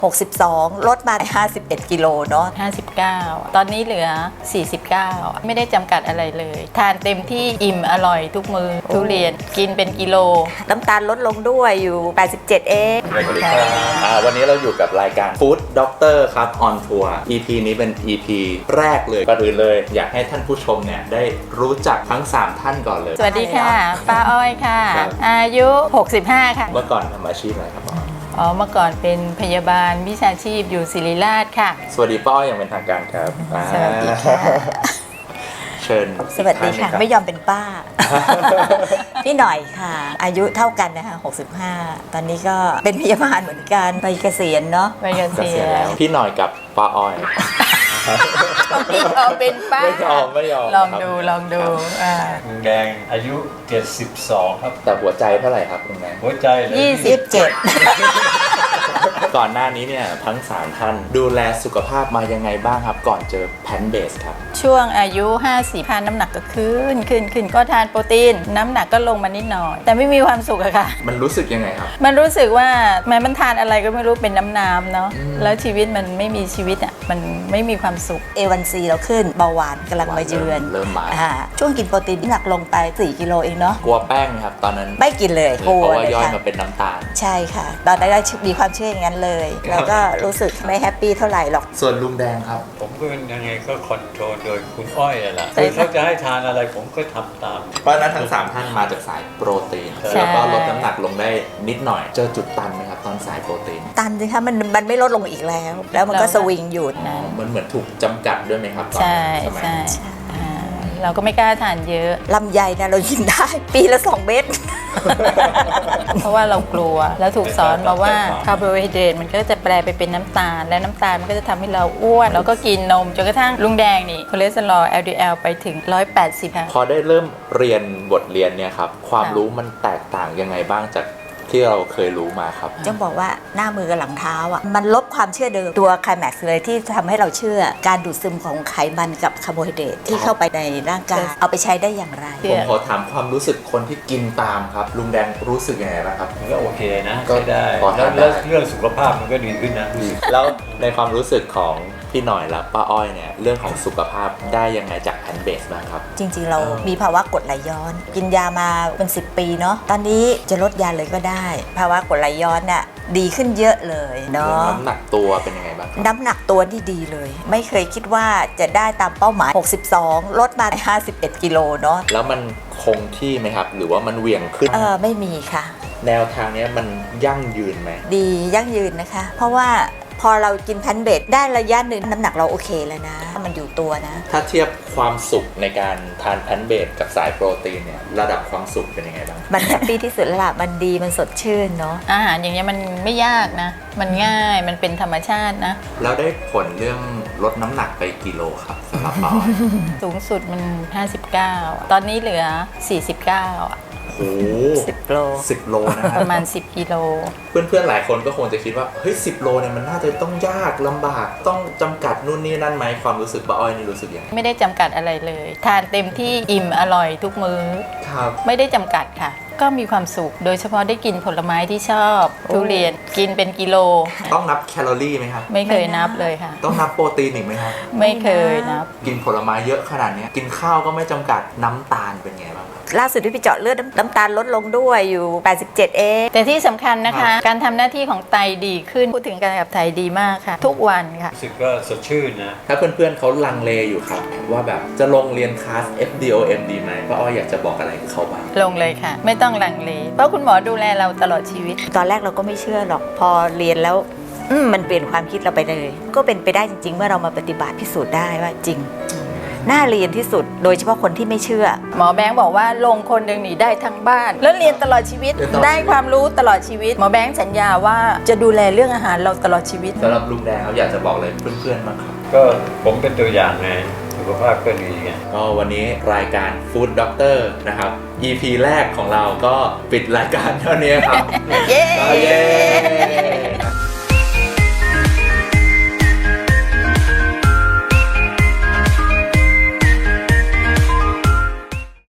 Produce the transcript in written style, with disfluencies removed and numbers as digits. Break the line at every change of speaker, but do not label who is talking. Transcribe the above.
62ลดมา51 กิโลเนาะ
59ตอนนี้เหลือ49ไม่ได้จำกัดอะไรเลยทานเต็มที่อิ่มอร่อยทุกมือทุเรียนกินเป็นกิโล
น้ำตาลลดลงด้วยอยู่87เอง
วันนี้เราอยู่กับรายการ Food Doctor ครับ on Tour EP นี้เป็น EP แรกเลยก่อนอื่นเลยอยากให้ท่านผู้ชมเนี่ยได้รู้จักทั้ง3ท่านก่อนเลย
สวัสดีค่ะป้าอ้อยค่ะอายุ65ค่ะ
เมื่อก่อนทำอาชีพอะไรครับ
เมื่อก่อนเป็นพยาบาลวิชาชีพอยู่ศิริราชค่ะ
สวัสดีป้าอ้อยอย่างเป็นทางการครับ
สวัสดีค่ะ
เชิญ
สวัสดีค่ะไม่ยอมเป็นป้า พี่หน่อยค่ะอายุเท่ากันนะคะ65ตอนนี้ก็เป็นพยาบาลเหมือนกันไปเกษียณเนาะ
ไปเกษียณ
พี่หน่อยกับป้าอ้อย
ไม่ยอมเป็นป้า
ไม่ยอม
ลองดู
ลุงแดงอายุ72ครับ
แต่หัวใจเท่าไหร่ครับลุงแดง
หัวใจเลย
27
ก่อนหน้านี้เนี่ยทั้ง3ท่านดูแลสุขภาพมายังไงบ้างครับก่อนเจอแพนเบสครับ
ช่วงอายุ50ทานน้ำหนักก็ขึ้นก็ทานโปรตีนน้ำหนักก็ลงมานิดหน่อยแต่ไม่มีความสุขอะค่ะ
มันรู้สึกยังไงครับ
มันรู้สึกว่ามันทานอะไรก็ไม่รู้เป็นน้ำเนาะแล้วชีวิตมันไม่มีชีวิตอะมันไม่มีความสุข
A1C เราขึ้นเบาหวานกำลังมาเยือน
เริ่มมา
ช่วงกินโปรตีนน้ำหนักลงไป4 กิโลเองเนาะ
กลัวแป้งครับตอนนั้น
ไม่กินเลย
เพราะว่าย่อยมาเป็นน้ำตาล
ใช่ค่ะตอนนั้นก็มีความเชื่ออย่างนั้นเลยแล้วก็รู้สึกไม่แฮปปี้เท่าไหร่หรอก
ส่วนลุงแดงครับ
ผมก็ยังไงก็คอนโทรลโดยคุณอ้อยแหละคือเขาจะให้ทานอะไรผมก็ทำตาม
เพราะนั้นทั้ง3ท่านมาจากสายโปรตีนแล้วก็ลดน้ำหนักลงได้นิดหน่อยเจอจุดตันไหมครับตอนสายโปรตีน
ตันสิคะมันไม่ลดลงอีกแล้วมันก็สวิงอยู่
มันเหมือนถูกจำกัดด้วยไหมครับ
ใช่เราก็ไม่กล้าทานเยอะ
ลำไยนะเรากินได้ปีละ2 เม็ด
เพราะว่าเรากลัวแล้วถูกสอนมาว่าคาร์โบไฮเดรตมันก็จะแปลไปเป็นน้ำตาลและน้ำตาลมันก็จะทำให้เราอ้วนแล้วก็กินนมจนกระทั่งลุงแดงนี่คอเลสเตอรอล LDL ไปถึง180ค่ะ
พอได้เริ่มเรียนบทเรียนเนี่ยครับความรู้มันแตกต่างยังไงบ้างจากที่เราเคยรู้มาครับ
จะบอกว่าหน้ามือกับหลังเท้าอ่ะมันลบความเชื่อเดิมตัวไคลแม็กซ์เลยที่ทำให้เราเชื่อการดูดซึมของไขมันกับคาร์โบไฮเดรตที่เข้าไปในร่างกายเอาไปใช้ได้อย่างไร
ผมขอถามความรู้สึกคนที่กินตามครับลุงแดงรู้สึกยังไงบ้างครับ
ก็โอเคนะก็ได้แล้วเรื่องสุขภาพมันก็ดีขึ้นนะ
แล้วในความรู้สึกของพี่หน่อยและป้าอ้อยเนี่ยเรื่องของสุขภาพได้ยังไงจากแพนเบสบ้างครับ
จริงๆเรามีภาวะกรดไหลย้อนกินยามาเป็น10 ปีเนาะตอนนี้จะลดยาเลยก็ได้ภาวะกรดไหลย้อนเนี่ยดีขึ้นเยอะเลยเนาะ
น้ำหนักตัวเป็นยังไงบ้าง
น้ำหนักตัวที่ดีเลยไม่เคยคิดว่าจะได้ตามเป้าหมาย62ลดมา51 กิโลเนาะ
แล้วมันคงที่ไหมครับหรือว่ามันเหวี่ยงขึ้น
ไม่มีค่ะ
แนวทางนี้มันยั่งยืนไหม
ดียั่งยืนนะคะเพราะว่าพอเรากินแพนเบสได้ระยะหนึ่งน้ำหนักเราโอเคแล้วนะมันอยู่ตัวนะ
ถ้าเทียบความสุขในการทานแพนเบสกับสายโปรตีนเนี่ยระดับความสุขเป็นยังไงบ้าง
มันแฮปปี้ที่สุดแล้วล่ะมันดีมันสดชื่นเนาะ
อาหารอย่างเงี้ยมันไม่ยากนะมันง่ายมันเป็นธรรมชาตินะ
แล้วได้ผลเรื่องลดน้ำหนักไปกิโลครับสำหรับเรา
สูงสุดมัน59ตอนนี้เหลือ49
โอ้10 โลนะ
ประมาณ10 กิโล
เพื่อนๆหลายคนก็คงจะคิดว่าเฮ้ย10 โลเนี่ยมันน่าจะต้องยากลำบากต้องจำกัดนู่นนี่นั่นไหมความรู้สึกป้าอ้อยนี่รู้สึกยังไง
ไม่ได้จำกัดอะไรเลยทานเต็มที่อิ่มอร่อยทุกมื้อ
ครับ
ไม่ได้จำกัดค่ะก็มีความสุขโดยเฉพาะได้กินผลไม้ที่ชอบทุเรียนกินเป็นกิโล
ต้องนับแคลอรี่ไหมครับ
ไม่เคยนับเลยค่ะ
ต้องนับโปรตีนอีกไหมครับ
ไม่เคยนับ
กินผลไม้เยอะขนาดนี้กินข้าวก็ไม่จำกัดน้ำตาลเป็นไงบ้าง
ล่าสุดที่ไปเจาะเลือดน้ำตาลลดลงด้วยอยู่87เอง
แต่ที่สำคัญนะคะการทำหน้าที่ของไตดีขึ้นพูดถึงการขับถ่ายดีมากค่ะทุกวันค่ะ
รู้สึกก็สดชื่นนะ
ถ้าเพื่อนๆเขาลังเลอยู่ครับว่าแบบจะลงเรียนคลาส FDOM ดีไหมป้าอ้อยอยากจะบอกอะไรเขาบ้าง
ลงเลยค่ะไม่ต้องลังเลเพราะคุณหมอดูแลเราตลอดชีวิต
ตอนแรกเราก็ไม่เชื่อหรอกพอเรียนแล้วมันเปลี่ยนความคิดเราไปเลยก็เป็นไปได้จริงๆเมื่อเรามาปฏิบัติพิสูจน์ได้ว่าจริงน่าเรียนที่สุดโดยเฉพาะคนที่ไม่เชื่อ
หมอแบงค์บอกว่าลงคนหนึ่งหนีได้ทั้งบ้านแล้วเรียนตลอดชีวิตได้ความรู้ตลอดชีวิตหมอแบงค์สัญญาว่าจะดูแลเรื่องอาหารเราตลอดชีวิต
สำหรับลุงแดงเขาอยากจะบอกอะไรเพื่อนๆบ้างครับ
ก็ผมเป็นตัวอย่างไงสุขภาพก็ดีไง
ก็วันนี้รายการ Food Doctor นะครับ EP แรกของเราก็ปิดรายการเท่านี้ครับ
เย้